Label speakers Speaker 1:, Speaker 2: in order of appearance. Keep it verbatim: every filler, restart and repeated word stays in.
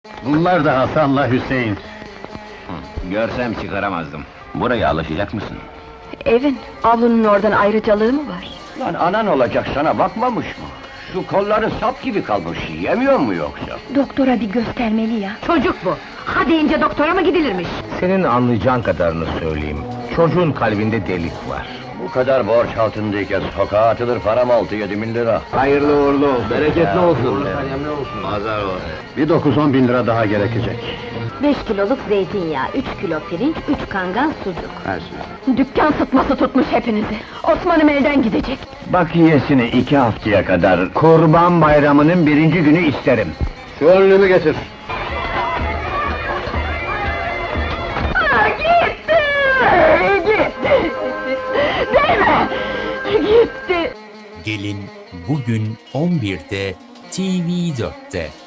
Speaker 1: Bunlar da Hasan'la Hüseyin.
Speaker 2: Görsem çıkaramazdım. Buraya alışacak mısın?
Speaker 3: Evin, avlunun oradan ayrıcalığı mı var?
Speaker 4: Lan anan olacak sana bakmamış mı? Şu kolları sap gibi kalmış, yemiyor mu yoksa?
Speaker 3: Doktora bir göstermeli ya. Çocuk bu. Ha deyince doktora mı gidilirmiş?
Speaker 2: Senin anlayacağın kadarını söyleyeyim. Çocuğun kalbinde delik var.
Speaker 4: Bu kadar borç altındayken sokağa atılır param altı yedi bin lira.
Speaker 2: Hayırlı uğurlu olsun. Bereketli olsun.
Speaker 4: Pazar o.
Speaker 1: Bir dokuz on bin lira daha gerekecek.
Speaker 3: Beş kiloluk zeytinyağı, üç kilo pirinç, üç kangal sucuk.
Speaker 4: Her şey.
Speaker 3: Dükkan sıtması tutmuş hepinizi. Osman'ım elden gidecek.
Speaker 4: Bakiyesini iki haftaya kadar Kurban Bayramı'nın birinci günü isterim.
Speaker 1: Şu önlüğümü getir.
Speaker 3: Aa, gitti! Gitti! Değme! Gitti!
Speaker 5: Gelin bugün on birde T V dörtte.